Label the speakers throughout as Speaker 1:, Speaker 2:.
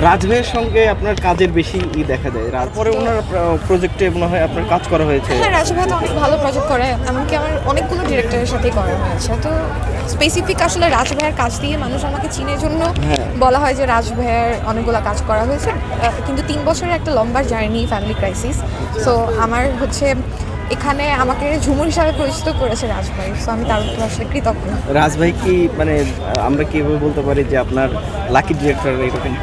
Speaker 1: রাজভাইয়ের সঙ্গে আপনার কাজের বেশি দেখা যায়, তারপরে ওনার প্রজেক্টে মনে হয় আপনার কাজ করা হয়েছে।
Speaker 2: হ্যাঁ, রাজু ভাই তো অনেক ভালো প্রজেক্ট করে, এমনকি আমার অনেকগুলো ডিরেক্টরের সাথেই করা হয়েছে। তো স্পেসিফিক আসলে রাজু ভাইয়ের কাজ দিয়ে মানুষ আমাকে চিনের জন্য বলা হয় যে রাজু ভাইয়ের অনেকগুলো কাজ করা হয়েছে, কিন্তু 3 বছরের একটা লম্বা জার্নি, ফ্যামিলি ক্রাইসিস। সো আমার হচ্ছে এখানে আমাকে ঝুমুর হিসাবে পরিচিত করেছে রাজ ভাই, সো আমি তার উপর আসলে কৃতজ্ঞ।
Speaker 1: রাজ ভাই কি মানে আমরা কিভাবে বলতে পারি যে আপনার লাকি ডিরেক্টর এরকম?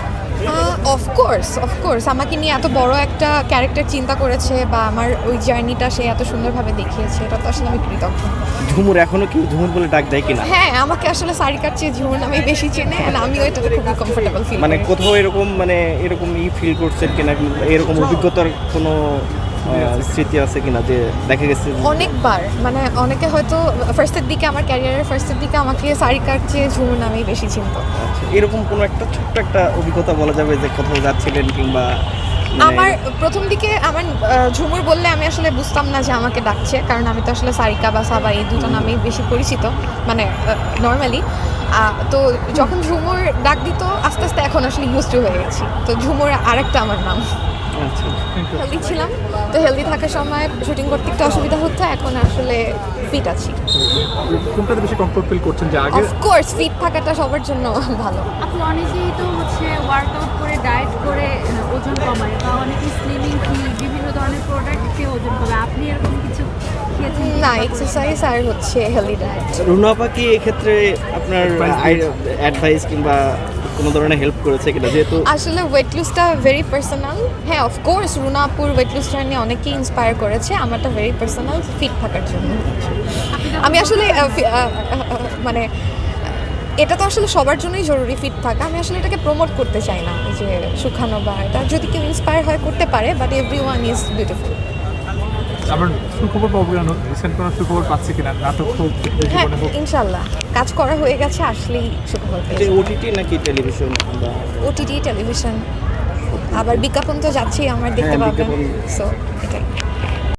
Speaker 2: অফকোর্স আমাকে নিয়ে এত বড় একটা ক্যারেক্টার চিন্তা করেছে বা আমার ওই জার্নিটা সে এত সুন্দরভাবে দেখিয়েছে, এটা তো আসলে আমি কৃতজ্ঞ।
Speaker 1: ঝুমুর এখনো কি ঝুমুর বলে ডাক দেয় কিনা?
Speaker 2: হ্যাঁ, আমাকে আসলে সারিকার চেয়ে ঝুমুর নামে বেশি চেনে, আর আমিও এটাতে খুবই কমফোর্টেবল ফিল
Speaker 1: মানে কোথাও এরকম মানে এরকম ফিল করছেন কিনা, এরকম অভিজ্ঞতার কোনো স্মৃতি আছে কিনা যে দেখা গেছে?
Speaker 2: অনেকবার, মানে অনেকে হয়তো ফার্স্টের দিকে, আমার ক্যারিয়ারের ফার্স্টের দিকে আমাকে সারিকার চেয়ে ঝুমুর নামেই বেশি চিনত।
Speaker 1: আচ্ছা, এরকম কোনো একটা ছোট্ট একটা অভিজ্ঞতা বলা যাবে যে কোথাও যাচ্ছিলেন কিংবা
Speaker 2: আমার প্রথম দিকে আমার ঝুমুর বললে আমি আসলে বুঝতাম না যে আমাকে ডাকছে, কারণ আমি তো আসলে সারিকা বা সাবা এই দুটো নামেই বেশি পরিচিত, মানে নর্মালি। তো যখন ঝুমুর ডাক দিত আস্তে আস্তে এখন আসলে ইউজ টু হয়ে গেছি, তো ঝুমুর আরেকটা আমার নাম।
Speaker 1: আচ্ছা,
Speaker 2: হেলদি ছিলাম, তো হেলদি থাকার সময় শুটিং করতে একটু অসুবিধা হতো, এখন আসলে ফিট আছি।
Speaker 3: কোনটাতে বেশি কমফোর্ট ফিল করছেন যে আগে?
Speaker 2: অফকোর্স ফিট থাকাটা সবার জন্য ভালো।
Speaker 4: আপনি অনেকেই তো হচ্ছে ওয়ার্কআউট করে ডায়েট করে ওজন কমায়, বা অনেকে স্লিমিং কি বিভিন্ন ধরনের প্রোডাক্ট খেয়ে ওজন কমায়, আপনি এরকম কিছু খেয়েছেন?
Speaker 2: না, এক্সারসাইজ আর হচ্ছে হেলদি ডায়েট।
Speaker 1: রুনা আপা কি এক্ষেত্রে আপনার অ্যাডভাইস কিংবা কোনো ধরনের হেল্প করেছে কিনা, যেহেতু
Speaker 2: আসলে ওয়েট লুজটা ভেরি পার্সোনাল। হ্যাঁ, অফকোর্স রুনাপুর ওয়েট লুজটা নিয়ে অনেকেই ইন্সপায়ার করেছে, আমারটা ভেরি পার্সোনাল, ফিট থাকার জন্য। আমি আসলে মানে এটা তো আসলে সবার জন্যই জরুরি ফিট থাকা, আমি আসলে এটাকে প্রমোট করতে চাই না যে শুকানো বা এটা, যদি কেউ ইন্সপায়ার হয় করতে পারে, বাট এভরিওয়ান ইজ বিউটিফুল।
Speaker 3: আবার সুখবর পাবো কেন, রিসেন্ট কোনো সুখবর পাচ্ছি কিনা, নাটক হোক
Speaker 2: হ্যাঁ,
Speaker 3: জীবনে হোক?
Speaker 2: ইনশাল্লাহ কাজ করা হয়ে গেছে, আসলেই সুখবর পেয়েছি।
Speaker 1: ওটিটি নাকি টেলিভিশন?
Speaker 2: ওটিটি, টেলিভিশন, আবার বিজ্ঞাপন তো যাচ্ছেই আমার, দেখতে
Speaker 1: হ্যাঁ,
Speaker 2: পাবেন।
Speaker 1: বিজ্ঞাপন।
Speaker 2: সো এটাই।